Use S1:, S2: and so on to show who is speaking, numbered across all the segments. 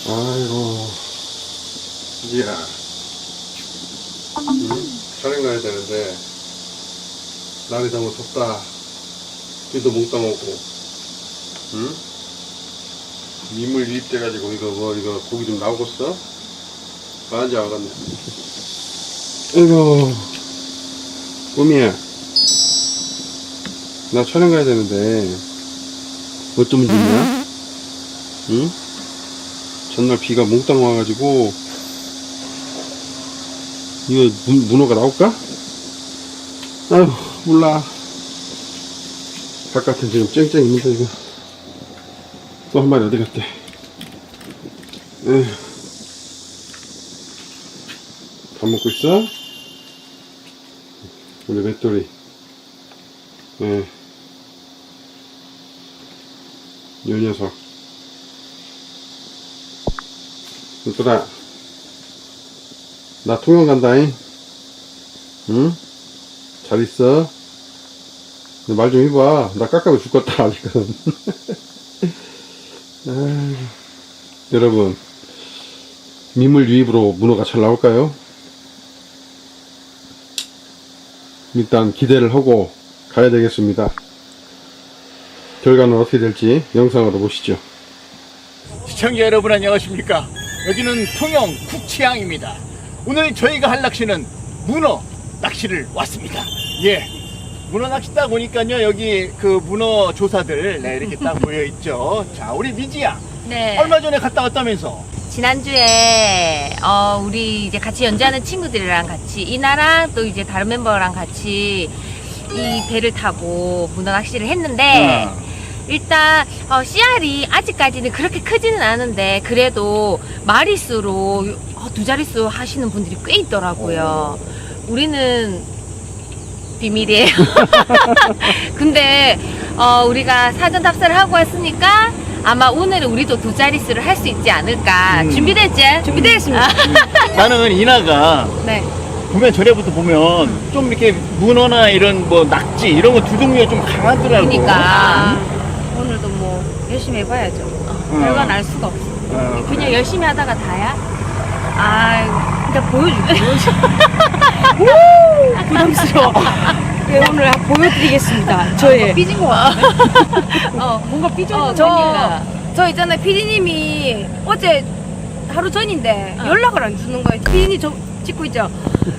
S1: 아이고, 이야. 촬영 가야 되는데, 날이 너무 덥다. 비도 몽땅 오고, 응? 민물 유입돼가지고, 이거 고기 좀 나오겠어? 맞아, 알았네. 아이고, 꿈이야. 나 촬영 가야 되는데, 어쩌면 좋냐? 응? 전날 비가 몽땅 와가지고 이거 문어가 나올까? 아유 몰라. 바깥에 지금 쨍쨍 있는데 이거 또 한 마리 어디 갔대. 에휴. 밥 먹고 있어? 우리 맷돌이. 예. 이 녀석. 얘들아, 나 통영 간다잉. 응? 잘 있어. 말 좀 해봐. 나 깎아도 죽겠다 아직은. 여러분, 민물 유입으로 문어가 잘 나올까요? 일단 기대를 하고 가야 되겠습니다. 결과는 어떻게 될지 영상으로 보시죠.
S2: 시청자 여러분 안녕하십니까. 여기는 통영 국치항입니다. 오늘 저희가 할 낚시는 문어 낚시를 왔습니다. 예, 문어 낚시 딱 오니까요, 여기 그 문어 조사들 이렇게 딱 모여있죠. 자, 우리 미지야,
S3: 네.
S2: 얼마 전에 갔다 왔다면서?
S3: 지난주에 우리 이제 같이 연주하는 친구들이랑 같이 이나랑 또 이제 다른 멤버랑 같이 이 배를 타고 문어 낚시를 했는데 일단 씨알이 아직까지는 그렇게 크지는 않은데 그래도 마리수로 두 자릿수 하시는 분들이 꽤 있더라고요. 우리는 비밀이에요. 근데 우리가 사전 답사를 하고 왔으니까 아마 오늘은 우리도 두 자릿수를 할 수 있지 않을까. 준비됐지? 준비되었습니다.
S2: 나는 이나가
S3: 네.
S2: 보면 전에부터 보면 좀 이렇게 문어나 이런 뭐 낙지 이런 거 두 종류가 좀 강하더라고.
S3: 그러니까 오늘도 뭐 열심히 해봐야죠. 결과는 알 수가 없어. 그냥 열심히 하다가 다야? 아, 일단 보여줄게.
S4: 부담스러워. 네, 오늘 보여드리겠습니다. 저의
S3: 삐진 거 같아.
S4: 뭔가 삐져.
S3: 저
S4: 있잖아요. 피디님이 어제 하루 전인데 연락을 안 주는 거예요. 피디님 저 찍고 있죠?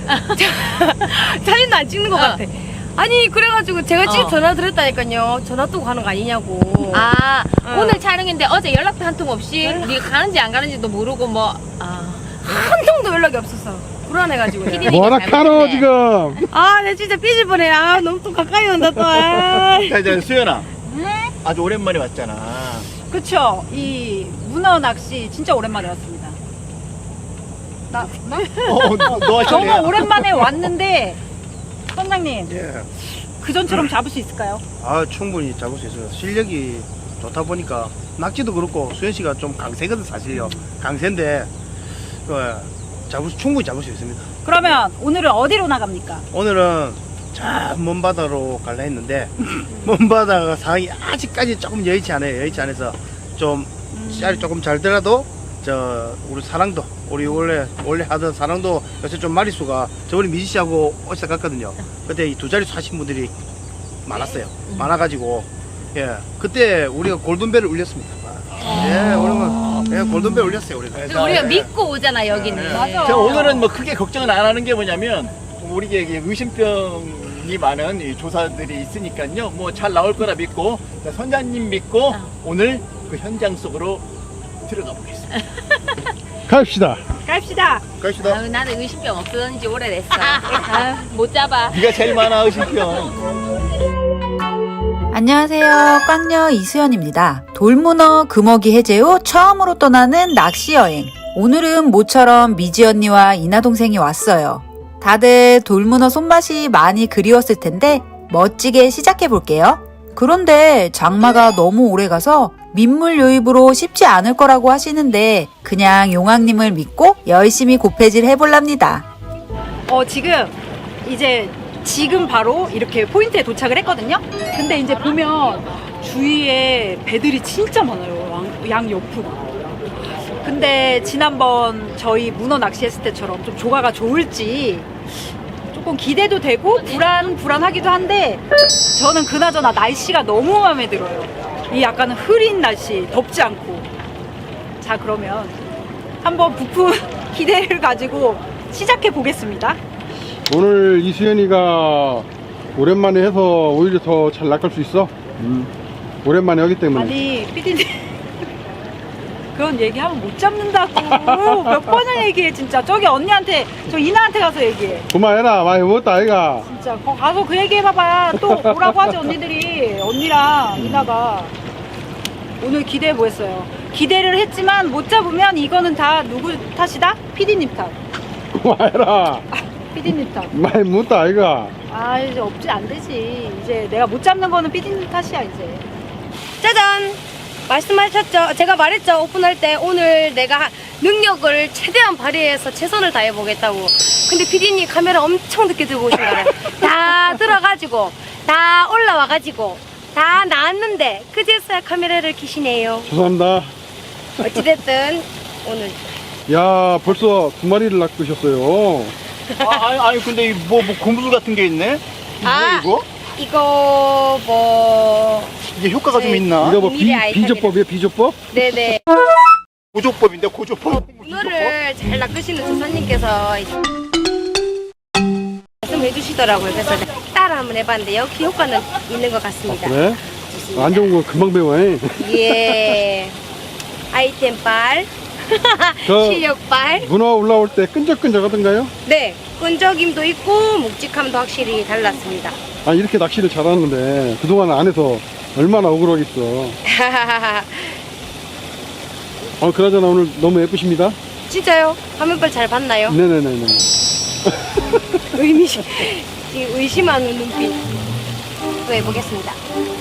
S4: 사진도 안 찍는 것 같아. 아니 그래가지고 제가 지금 전화 드렸다니까요. 전화 또 가는 거 아니냐고.
S3: 아, 오늘 촬영인데 어제 연락도 한 통 없이 우리가 가는지 안 가는지도 모르고 뭐.
S4: 한 통도 연락이 없었어. 불안해가지고.
S1: 뭐라 카노 지금.
S4: 아, 내 진짜 삐질 뻔해. 아, 너무 또 가까이 온다 또. 아.
S2: 자, 수연아. 아주 오랜만에 왔잖아.
S5: 그쵸. 이 문어 낚시 진짜 오랜만에 왔습니다.
S2: 너
S5: 정말 오랜만에 왔는데 선장님
S6: 예.
S5: 그전처럼 잡을 수 있을까요?
S6: 아, 충분히 잡을 수 있어요. 실력이 좋다 보니까 낙지도 그렇고 수현 씨가 좀 강세거든 사실요. 강세인데 충분히 잡을 수 있습니다.
S5: 그러면 오늘은 어디로 나갑니까?
S6: 오늘은 저 먼 바다로 갈라 했는데 먼 바다가 상황이 아직까지 조금 여의치 않아요. 여의치 않아서 좀 씨알이 조금 잘 더라도 우리 사랑도 우리 원래 하던 사랑도 요새 좀 마리수가 저번에 미지 씨하고 어디서 갔거든요. 그때 이 두 자릿수 하신 분들이 많았어요. 많아가지고 예 그때 우리가 골든벨을 울렸습니다. 예 오늘은 골든벨 울렸어요 우리가.
S3: 우리가 믿고 오잖아 여기는.
S5: 맞아.
S2: 자, 오늘은 뭐 크게 걱정은 안 하는 게 뭐냐면 우리에게 의심병이 많은 이 조사들이 있으니까요. 뭐 잘 나올 거라 믿고 자, 선장님 믿고 오늘 그 현장 속으로 들어가 보겠습니다.
S1: 갑시다.
S5: 갑시다.
S6: 갑시다.
S3: 아유, 나는 의심병 없어진 지 오래됐어. 못 잡아.
S2: 네가 제일 많아 의심병.
S7: 안녕하세요. 꽝녀 이수연입니다. 돌문어 금어기 해제 후 처음으로 떠나는 낚시 여행. 오늘은 모처럼 미지 언니와 이나 동생이 왔어요. 다들 돌문어 손맛이 많이 그리웠을 텐데 멋지게 시작해 볼게요. 그런데 장마가 너무 오래 가서 민물 유입으로 쉽지 않을 거라고 하시는데 그냥 용왕님을 믿고 열심히 고패질 해볼랍니다.
S5: 지금 바로 이렇게 포인트에 도착을 했거든요. 근데 이제 보면 주위에 배들이 진짜 많아요. 양 옆으로. 근데 지난번 저희 문어 낚시했을 때처럼 좀 조가가 좋을지 조금 기대도 되고 불안하기도 한데 저는 그나저나 날씨가 너무 마음에 들어요. 이 약간 흐린 날씨, 덥지 않고. 자, 그러면 한번 부푼 기대를 가지고 시작해 보겠습니다.
S1: 오늘 이수연이가 오랜만에 해서 오히려 더 잘 낚을 수 있어. 오랜만에 하기 때문에.
S5: 아니, 피디님. 그런 얘기하면 못 잡는다고. 몇 번을 얘기해, 진짜. 저기 언니한테, 저 이나한테 가서 얘기해.
S1: 그만해라. 많이 먹었다 아이가.
S5: 진짜. 가서 그 얘기 해봐봐. 또 뭐라고 하지, 언니들이. 언니랑 이나가. 오늘 기대해 보겠어요. 기대를 했지만 못 잡으면 이거는 다 누구 탓이다? 피디님 탓.
S1: 그만해라.
S5: 피디님 탓.
S1: 많이 먹었다 아이가.
S5: 아, 이제 없지 안 되지. 이제 내가 못 잡는 거는 피디님 탓이야, 이제.
S4: 짜잔! 말씀하셨죠? 제가 말했죠? 오픈할 때 오늘 내가 능력을 최대한 발휘해서 최선을 다해보겠다고. 근데 피디님 카메라 엄청 늦게 들고 오신 거예요. 다 들어가지고, 다 올라와가지고, 다 나왔는데, 그제서야 카메라를 켜시네요.
S1: 죄송합니다.
S4: 어찌됐든, 오늘.
S1: 야 벌써 2마리를 낚으셨어요.
S2: 아니 근데 뭐 고무줄 같은 게 있네?
S4: 아.
S2: 이거?
S4: 이거,
S2: 이게 효과가 좀
S4: 네.
S2: 있나?
S1: 이거 뭐
S4: 미리 아이템이라.
S1: 비조법이야 비조법?
S4: 네네.
S2: 고조법인데 고조법.
S4: 문어를 잘 낚으시는 조사님께서 말씀해 주시더라고요. 그래서 따라 한번 해봤는데 역시 효과는 있는 것 같습니다.
S1: 그래?
S4: 좋습니다.
S1: 안 좋은 거 금방 배워.
S4: 예. 아이템빨,
S1: 저
S4: 실력빨.
S1: 문어 올라올 때 끈적끈적하던가요?
S4: 네. 끈적임도 있고 묵직함도 확실히 달랐습니다.
S1: 아 이렇게 낚시를 잘하는데 그동안 안 해서 얼마나 억울하겠어. 그나저나 오늘 너무 예쁘십니다.
S4: 진짜요? 화면빨 잘 봤나요?
S1: 네네네네.
S4: 의심하는 눈빛. 또 해보겠습니다.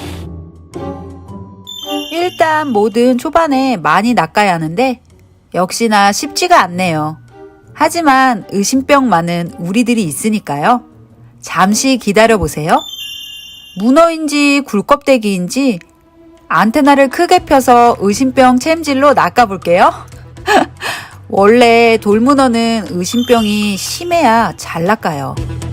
S7: 일단 뭐든 초반에 많이 낚아야 하는데 역시나 쉽지가 않네요. 하지만 의심병 많은 우리들이 있으니까요. 잠시 기다려보세요. 문어인지 굴껍데기인지 안테나를 크게 펴서 의심병 챔질로 낚아볼게요. 원래 돌문어는 의심병이 심해야 잘 낚아요.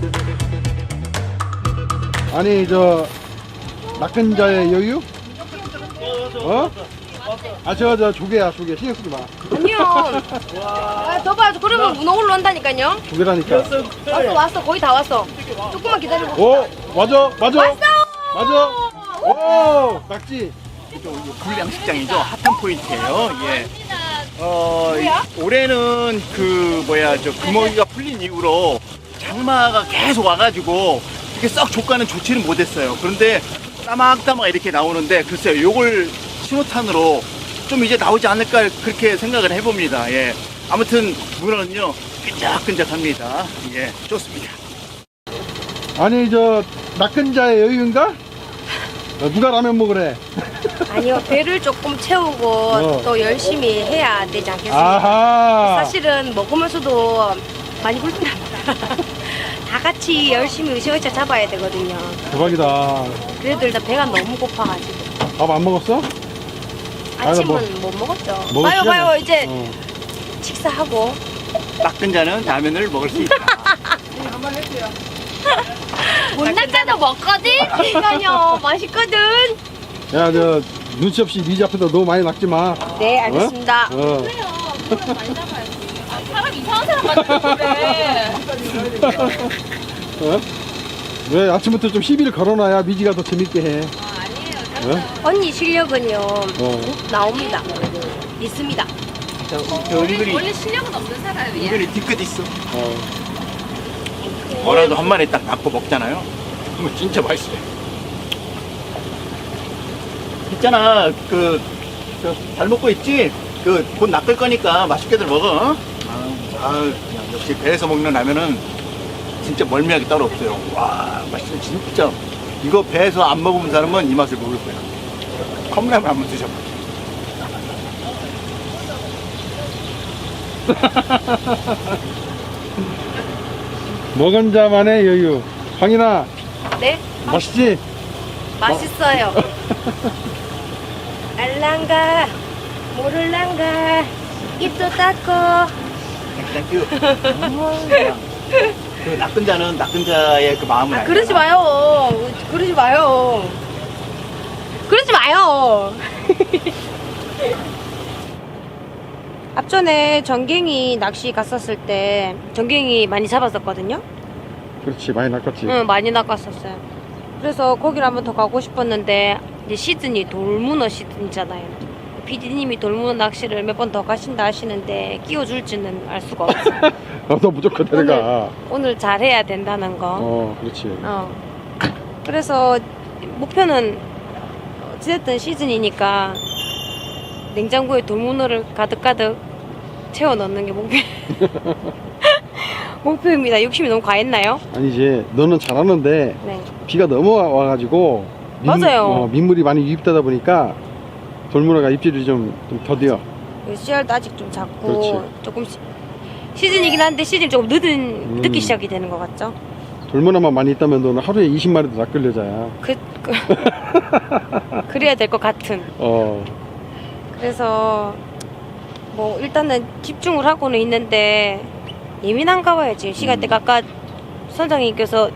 S1: 아니 저 낚은 자의 여유? 어? 저 조개야 조개 신경 쓰지 마.
S4: 아니요. 더 봐야죠. 그러면 문어 올라온다니까요.
S1: 조개라니까.
S4: 왔어. 거의 다 왔어. 조금만 기다리고.
S1: 오 맞아. 오 낙지.
S2: 불량식장이죠. 핫한 포인트예요. 예. 올해는 저 금어기가 풀린 이후로 장마가 계속 와가지고 이렇게 썩 조과는 좋지는 못했어요. 그런데 따막따막 이렇게 나오는데 글쎄요, 요걸 신호탄으로 좀 이제 나오지 않을까 그렇게 생각을 해봅니다. 예. 아무튼 문어는요 끈적끈적합니다. 예, 좋습니다.
S1: 아니 저 낚은 자의 여유인가? 누가 라면 먹으래?
S4: 아니요. 배를 조금 채우고 또 열심히 해야 되지 않겠습니까?
S1: 아하.
S4: 사실은 먹으면서도 많이 불편합니다. 다 같이 열심히 으쌰으쌰 잡아야 되거든요.
S1: 대박이다.
S4: 그래도 일단 배가 너무 고파가지고.
S1: 밥 안 먹었어?
S4: 아침은 못 먹었죠.
S1: 먹을 시간이
S4: 봐요.
S1: 없-
S4: 이제
S1: 어.
S4: 식사하고.
S2: 낚은 자는 라면을 먹을 수 있다.
S4: 못 낚아도 먹거든? 그러니까요. 맛있거든.
S1: 야, 저 눈치 없이 미지 앞에서 너무 많이 낚지 마.
S4: 네, 알겠습니다.
S3: 사람 이상한 사람 같은데.
S1: 어? 왜 아침부터 좀 시비를 걸어놔야 미지가 더 재밌게 해.
S4: 언니 실력은요.
S1: 어.
S4: 나옵니다. 있습니다.
S2: 은근히
S3: 실력은 없는 사람이야.
S2: 은근히 뒤끝 있어. 뭐라도 한 마리 딱 낚고 먹잖아요. 그러면 진짜 맛있어요. 있잖아, 잘 먹고 있지? 곧 낚을 거니까 맛있게들 먹어. 그냥 역시 배에서 먹는 라면은 진짜 멀미하기 따로 없어요. 와, 맛있어, 진짜. 이거 배에서 안 먹어본 사람은 이 맛을 모를 거야. 컵라면 한번 드셔봐.
S1: 먹은 자만의 여유. 황인아,
S4: 네?
S1: 맛있지?
S4: 맛있어요. 알랑가, 모를랑가. 입도 닦고.
S2: 땡큐. 그 낚은 자는 낚은 자의 그 마음을 알잖아.
S4: 그러지 마요. 그러지 마요. 그러지 마요. 앞전에 전갱이 낚시 갔었을 때 전갱이 많이 잡았었거든요.
S1: 그렇지, 많이 낚았지.
S4: 응, 많이 낚았었어요. 그래서 거기를 한번 더 가고 싶었는데 이제 시즌이 돌문어 시즌이잖아요. PD님이 돌문어 낚시를 몇 번 더 가신다 하시는데 끼워줄지는 알 수가 없어요.
S1: 너 무조건 데려가.
S4: 오늘 잘해야 된다는 거.
S1: 그렇지.
S4: 그래서 목표는 어찌됐든 시즌이니까 냉장고에 돌문어를 가득가득 채워 넣는 게 목표입니다. 욕심이 너무 과했나요?
S1: 아니지, 너는 잘하는데
S4: 네.
S1: 비가 넘어와가지고
S4: 맞아요.
S1: 민물이 많이 유입되다 보니까 돌문어가 입질이 좀 더뎌.
S4: 씨알도 아직 좀 작고
S1: 그렇지.
S4: 조금 시즌이긴 한데 시즌이 조금 늦기 시작이 되는 것 같죠?
S1: 돌문어만 많이 있다면 너는 하루에 20마리도 낚을 여자야.
S4: 그래야 될 것 같은. 그래서 뭐 일단은 집중을 하고는 있는데 예민한가 봐요. 지금 시간대가 아까 선장님께서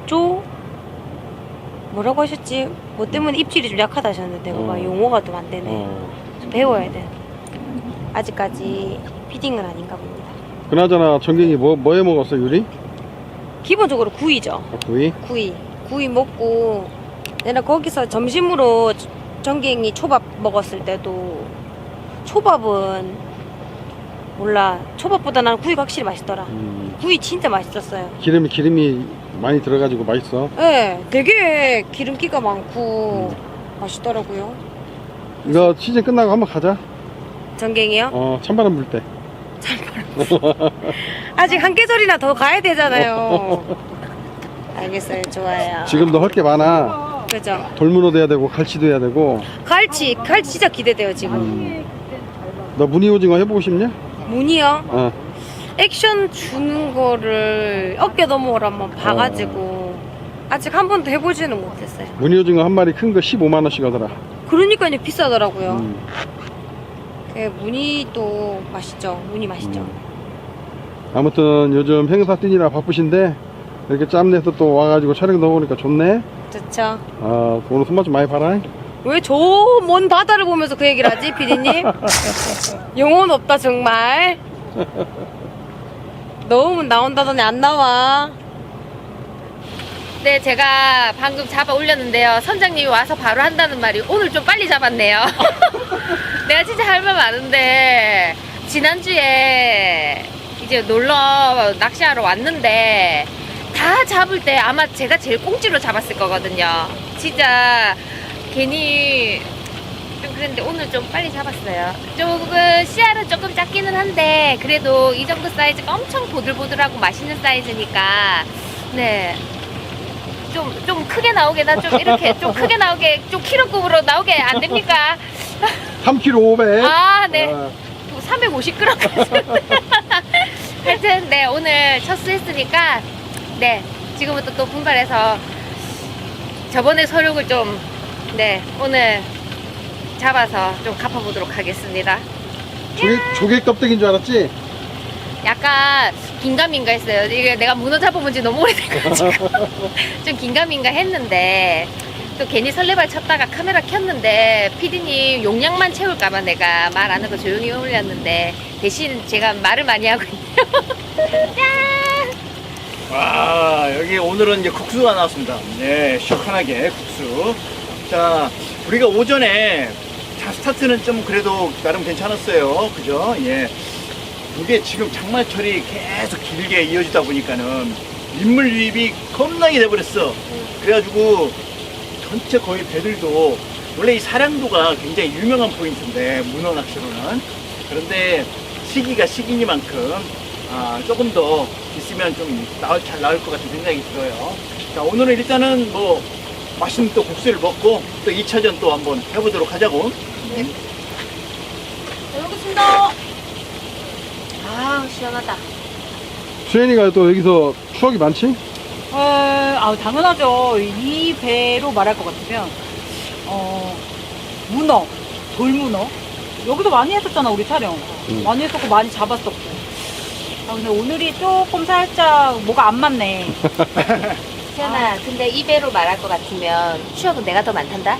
S4: 뭐라고 하셨지? 뭐 때문에 입질이 좀 약하다 하셨는데 그거 용어가 좀 안 되네. 좀 배워야 돼. 아직까지 피딩은 아닌가 봅니다.
S1: 그나저나 전갱이 뭐 해 먹었어, 유리?
S4: 기본적으로 구이죠.
S1: 구이?
S4: 구이 먹고 내가 거기서 점심으로 전갱이 초밥 먹었을 때도 초밥은 몰라, 초밥보다 나는 구이가 확실히 맛있더라. 구이 진짜 맛있었어요.
S1: 기름이 많이 들어가지고 맛있어.
S4: 네, 되게 기름기가 많고 맛있더라고요.
S1: 이거 시즌 끝나고 한번 가자.
S4: 전갱이요?
S1: 찬바람 불 때.
S4: 아직 한 계절이나 더 가야 되잖아요. 알겠어요. 좋아요.
S1: 지금도 할 게 많아.
S4: 그죠?
S1: 돌문어도 해야 되고 갈치도 해야 되고.
S4: 갈치 진짜 기대돼요 지금.
S1: 너 무늬오징어 해보고 싶냐?
S4: 문이요? 액션 주는 거를 어깨 너머로 한번 봐가지고 아직 한 번도 해보지는 못했어요.
S1: 무늬오징어 한 마리 큰 거 15만 원씩 하더라.
S4: 그러니까요, 비싸더라고요. 그 무늬도 맛있죠. 무늬 맛있죠.
S1: 아무튼 요즘 행사 뛰느라 바쁘신데 이렇게 짬내서 또 와가지고 촬영도 오니까 좋네.
S4: 좋죠.
S1: 오늘 손맛 좀 많이 봐라.
S4: 왜 저 먼 바다를 보면서 그 얘기를 하지, 피디님? 영혼 없다 정말. 넣으면 나온다더니 안 나와.
S3: 네, 제가 방금 잡아 올렸는데요. 선장님이 와서 바로 한다는 말이 오늘 좀 빨리 잡았네요. 내가 진짜 할 말 많은데 지난주에 이제 놀러 낚시하러 왔는데 다 잡을 때 아마 제가 제일 꽁지로 잡았을 거거든요. 진짜 괜히 좀 그랬는데 오늘 좀 빨리 잡았어요. 조금 씨알은 조금 작기는 한데 그래도 이 정도 사이즈가 엄청 보들보들하고 맛있는 사이즈니까 네. 좀 크게 나오게 나 좀 이렇게 좀 크게 나오게 좀 키로급으로 나오게 안 됩니까?
S1: 3kg 500.
S3: 아, 네. 350g. 하여튼 네, 오늘 첫 수 했으니까 네, 지금부터 또 분발해서 저번에 서륙을 좀 네, 오늘 잡아서 좀 갚아보도록 하겠습니다.
S1: 조개 껍데기인 줄 알았지?
S3: 약간 긴가민가 했어요. 이게 내가 문어 잡아본 지 너무 오래돼가지고 좀 긴가민가 했는데 또 괜히 설레발 쳤다가 카메라 켰는데 피디님 용량만 채울까봐 내가 말 안 하고 조용히 올렸는데 대신 제가 말을 많이 하고 있네요. 짠!
S2: 와, 여기 오늘은 이제 국수가 나왔습니다. 네, 시원하게 국수. 자, 우리가 오전에 스타트는 좀 그래도 나름 괜찮았어요. 그죠? 예. 이게 지금 장마철이 계속 길게 이어지다 보니까는 민물 유입이 겁나게 돼버렸어. 그래가지고 전체 거의 배들도 원래 이 사량도가 굉장히 유명한 포인트인데 문어 낚시로는 그런데 시기가 시기니만큼 조금 더 있으면 좀 잘 나올 것 같은 생각이 들어요. 자, 오늘은 일단은 뭐 맛있는 또 국수를 먹고 또 2차전 또 한번 해보도록 하자고.
S4: 잘 먹겠습니다. 아, 시원하다.
S1: 수현이가 또 여기서 추억이 많지?
S5: 당연하죠. 이 배로 말할 것 같으면 문어, 돌문어 여기도 많이 했었잖아, 우리 촬영. 많이 했었고, 많이 잡았었고. 아, 근데 오늘이 조금 살짝 뭐가 안 맞네.
S3: 시연아, 근데 이 배로 말할 것 같으면 추억은 내가 더 많단다?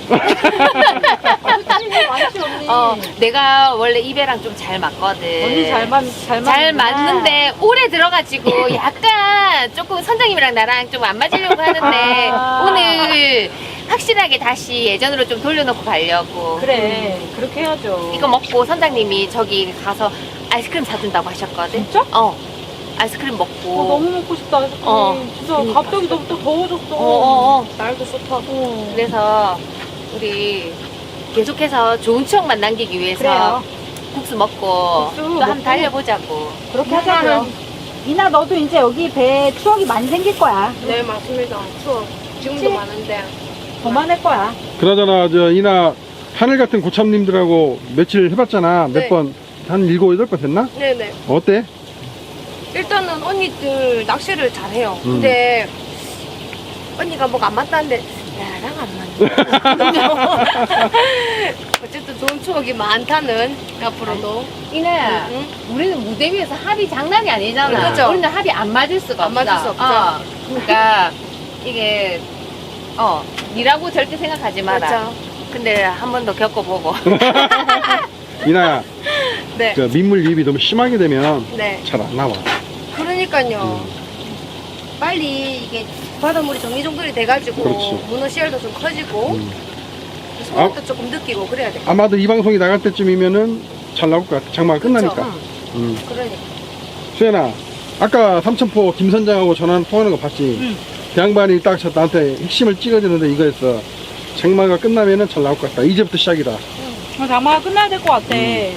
S5: 많지, 언니.
S3: 내가 원래 이 배랑 좀 잘 맞거든.
S5: 언니 잘
S3: 맞는데 오래 들어가지고 약간 조금 선장님이랑 나랑 좀 안 맞으려고 하는데 오늘 확실하게 다시 예전으로 좀 돌려놓고 가려고.
S5: 그래, 그렇게 해야죠.
S3: 이거 먹고 선장님이 저기 가서 아이스크림 사준다고 하셨거든.
S5: 진짜?
S3: 아이스크림 먹고.
S5: 너무 먹고 싶다, 아이스크림. 진짜
S3: 그러니까.
S5: 갑자기 너무 또 더워졌어.
S3: 날도 좋다고. 그래서 우리 계속해서 좋은 추억만 남기기 위해서
S5: 그래요.
S3: 국수 먹고
S5: 국수
S3: 또 한번
S5: 먹고.
S3: 달려보자고.
S5: 그렇게 하자고요. 이나 너도 이제 여기 배에 추억이 많이 생길 거야.
S4: 네, 맞습니다. 추억. 지금도 많은데.
S5: 더 많을 거야.
S1: 그나저나 저 이나 하늘 같은 고참님들하고 며칠 해봤잖아.
S4: 네.
S1: 몇 번? 한 7, 8번 됐나?
S4: 네네.
S1: 어때?
S4: 일단은 언니들 낚시를 잘해요.
S1: 음.
S4: 근데 언니가 뭐가 안 맞다는데 나랑 안 맞네. 어쨌든 좋은 추억이 많다는 앞으로도.
S3: 이나야,
S4: 응?
S3: 우리는 무대 위에서 합이 장난이 아니잖아.
S4: 그죠?
S3: 우리는 합이 안 맞을 수가
S4: 안
S3: 없어.
S4: 맞을 수 없죠.
S3: 그러니까 이게 니라고 절대 생각하지 마라.
S4: 그렇죠.
S3: 근데 한 번 더 겪어보고.
S1: 이나야,
S4: 네.
S1: 그 민물 유입이 너무 심하게 되면
S4: 네.
S1: 잘 안 나와.
S4: 그러니까요. 빨리 이게 바닷물이 정리정돈이 돼가지고
S1: 그렇지.
S4: 문어 씨알도 좀 커지고
S1: 음.
S4: 소금도 조금 느끼고 그래야 돼.
S1: 아마도 이 방송이 나갈 때쯤이면은 잘 나올 것 같아. 장마가 끝나니까.
S4: 그러니까.
S1: 수연아, 아까 삼천포 김 선장하고 전화 통하는 거 봤지? 그 양반이 딱 나한테 핵심을 찍어주는데 이거였어. 장마가 끝나면은 잘 나올 것 같다. 이제부터 시작이다.
S5: 장마가 끝나야 될 것 같아.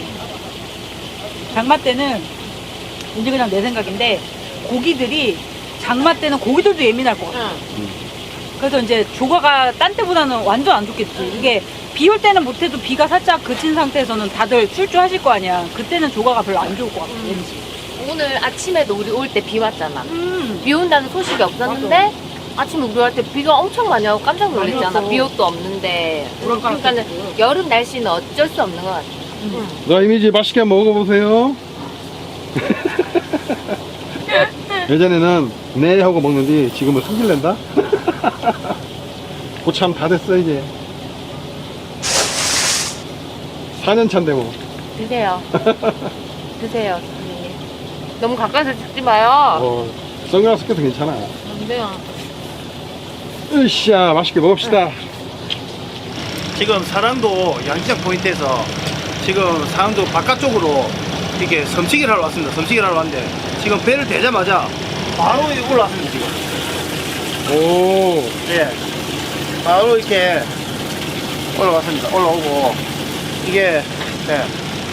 S5: 장마 때는 이제 그냥 내 생각인데 고기들이 장마 때는 고기들도 예민할 것 같아. 그래서 이제 조과가 딴 때보다는 완전 안 좋겠지. 이게 비 올 때는 못해도 비가 살짝 그친 상태에서는 다들 출주하실 거 아니야. 그때는 조과가 별로 안 좋을 것 같아. 왠지.
S3: 오늘 아침에도 우리 올 때 비 왔잖아. 비 온다는 소식이 없었는데 아침에 우리 올 때 비가 엄청 많이 와고 깜짝 놀랐잖아.
S5: 많이 왔어.
S3: 비옷도 없는데.
S5: 우렁가락
S3: 그러니까
S5: 쳤고.
S3: 여름 날씨는 어쩔 수 없는 것 같아.
S1: 자, 이미지 맛있게 한번 먹어보세요. 예전에는 네 하고 먹는데 지금은 승질낸다? 고참 다 됐어 이제. 4년 차인데 뭐.
S3: 드세요. 드세요, 선생님. 너무 가까이서 찍지 마요.
S1: 선글라스 껴도 괜찮아.
S3: 안 돼요.
S1: 으쌰, 맛있게 먹읍시다.
S6: 지금 사랑도 양시장 포인트에서 지금 사랑도 바깥쪽으로 이렇게 섬치기를 하러 왔습니다. 섬치기를 하러 왔는데 지금 배를 대자마자 바로 올라왔습니다. 지금.
S1: 오,
S6: 예. 바로 이렇게 올라왔습니다. 올라오고 이게 예.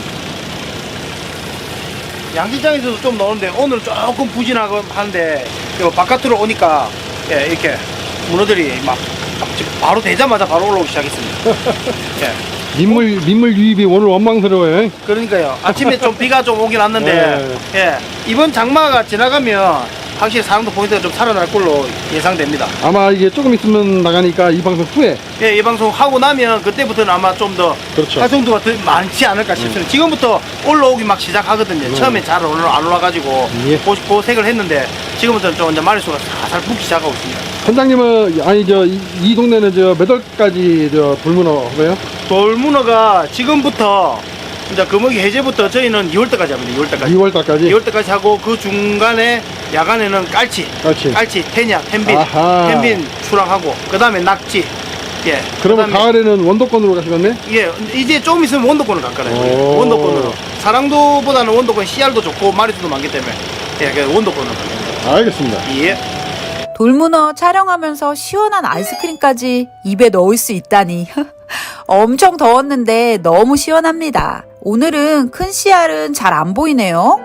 S6: 양시장에서도 좀 나오는데 오늘 조금 부진하고 하는데 이거 바깥으로 오니까 예, 이렇게 문어들이 막 지금 바로 대자마자 바로 올라오기 시작했습니다. 예.
S1: 민물 유입이 오늘 원망스러워요.
S6: 그러니까요. 아침에 좀 비가 좀 오긴 왔는데 예. 이번 장마가 지나가면 확실히 사랑도 포인트가 좀 살아날 걸로 예상됩니다.
S1: 아마 이게 조금 있으면 나가니까 이 방송 후에.
S6: 예, 이 방송 하고 나면 그때부터는 아마 좀 더
S1: 그렇죠.
S6: 활성도가 더 많지 않을까 싶습니다. 지금부터 올라오기 막 시작하거든요. 처음에 잘 안 올라가지고
S1: 예.
S6: 고색을 했는데 지금부터는 좀 이제 마리수가 살살 붙기 시작하고 있습니다.
S1: 선장님은 아니 이 동네는 몇 월까지 돌문어고요?
S6: 돌문어가 지금부터 이제 금어기 해제부터 저희는 2월달까지 합니다. 2월달까지.
S1: 2월달까지.
S6: 2월달까지 하고 그 중간에 야간에는 깔치, 태냐,
S1: 아하.
S6: 텐빈 출항하고 그 다음에 낙지. 예.
S1: 그러면
S6: 그다음에
S1: 가을에는 원도권으로 가시겠네?
S6: 예, 이제 조금 있으면 원도권을 갈 거예요.
S1: 오.
S6: 원도권으로. 사랑도보다는 원도권 CR도 좋고 마리수도 많기 때문에 예, 그래서 원도권으로.
S1: 알겠습니다.
S6: 예.
S7: 돌문어 촬영하면서 시원한 아이스크림까지 입에 넣을 수 있다니. 엄청 더웠는데 너무 시원합니다. 오늘은 큰 씨알은 잘 안 보이네요.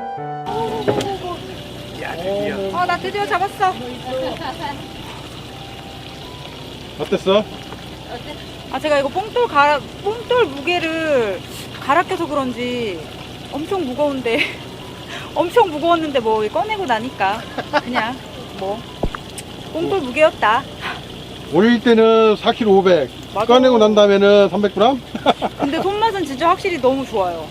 S6: 야, 드디어.
S5: 나 드디어 잡았어.
S1: 어땠어?
S5: 제가 이거 뽕돌 무게를 갈아 껴서 그런지 엄청 무거운데 엄청 무거웠는데 뭐 꺼내고 나니까 그냥 뭐 뽕돌 무게였다.
S1: 올릴 때는 4kg 500.
S5: 맞아.
S1: 꺼내고 난 다음에는 300g?
S5: 근데 손맛은 진짜 확실히 너무 좋아요.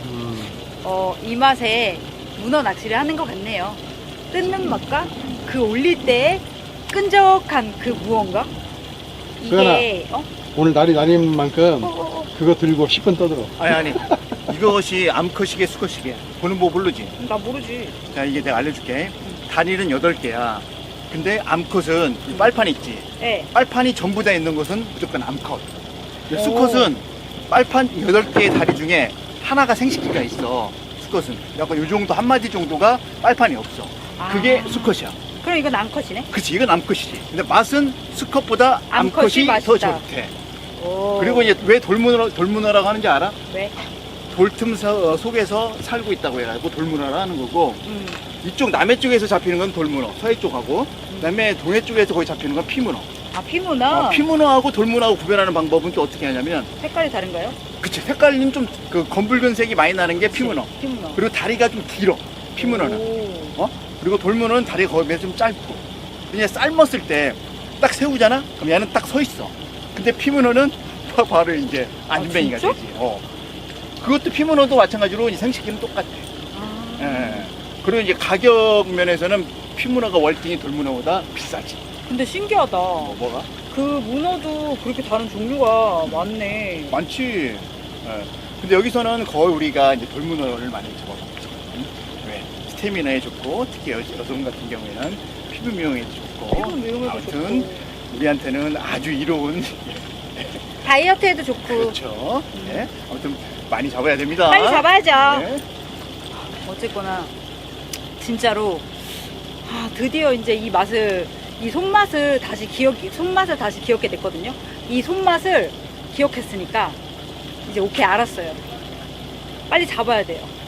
S5: 이 맛에 문어 낚시를 하는 것 같네요. 뜯는 맛과 그 올릴 때 끈적한 그 무언가? 이게,
S1: 오늘 날이 날인 만큼 그거 들고 10분 떠들어.
S2: 아니 이것이 암컷이게 수컷이게 보는 법 모르지.
S5: 나 모르지.
S2: 자, 이게 내가 알려줄게. 다리는 8개야. 근데 암컷은 이 빨판 있지.
S5: 네.
S2: 빨판이 전부 다 있는 것은 무조건 암컷. 근데 수컷은 빨판 8개의 다리 중에 하나가 생식기가 있어. 수컷은 약간 요 정도 한 마디 정도가 빨판이 없어. 그게 수컷이야.
S5: 그럼 이건 암컷이네?
S2: 그치, 이건 암컷이지. 근데 맛은 수컷보다
S5: 암컷이
S2: 암컷이 더
S5: 맛있다.
S2: 좋대.
S5: 오.
S2: 그리고 이제 왜 돌문어라고 하는지 알아?
S5: 왜?
S2: 돌틈 속에서 살고 있다고 해가지고 돌문어라 하는 거고, 이쪽 남해 쪽에서 잡히는 건 돌문어, 서해 쪽하고, 그다음에 동해 쪽에서 거기 잡히는 건 피문어.
S5: 아, 피문어?
S2: 피문어하고 돌문어하고 구별하는 방법은 또 어떻게 하냐면,
S5: 색깔이 다른가요?
S2: 그치, 색깔은 좀 그 검붉은색이 많이 나는 게 피문어.
S5: 피문어.
S2: 그리고 다리가 좀 길어, 피문어는.
S5: 오.
S2: 그리고 돌문어는 다리가 거의 좀 짧고. 그냥 삶았을 때 딱 세우잖아? 그럼 얘는 딱 서 있어. 근데 피문어는 바로 이제 안ben이가
S5: 진짜?
S2: 되지. 그것도 피문어도 마찬가지로 이 생식기는 똑같아. 예. 그리고 이제 가격 면에서는 피문어가 월등히 돌문어보다 비싸지.
S5: 근데 신기하다.
S2: 뭐가?
S5: 그 문어도 그렇게 다른 종류가 많네.
S2: 많지. 예. 근데 여기서는 거의 우리가 이제 돌문어를 많이 잡아먹죠. 왜? 스태미나에 좋고, 특히 여성 같은 경우에는 피부 미용에도 좋고.
S5: 피부 미용에도
S2: 아무튼
S5: 좋고.
S2: 우리한테는 아주 이로운.
S5: 다이어트에도 좋고.
S2: 그렇죠. 네. 아무튼 많이 잡아야 됩니다.
S5: 빨리 잡아야죠.
S2: 네.
S5: 어쨌거나 진짜로 드디어 이제 이 맛을, 이 손맛을 다시 기억게 됐거든요. 이 손맛을 기억했으니까 이제 오케이, 알았어요. 빨리 잡아야 돼요.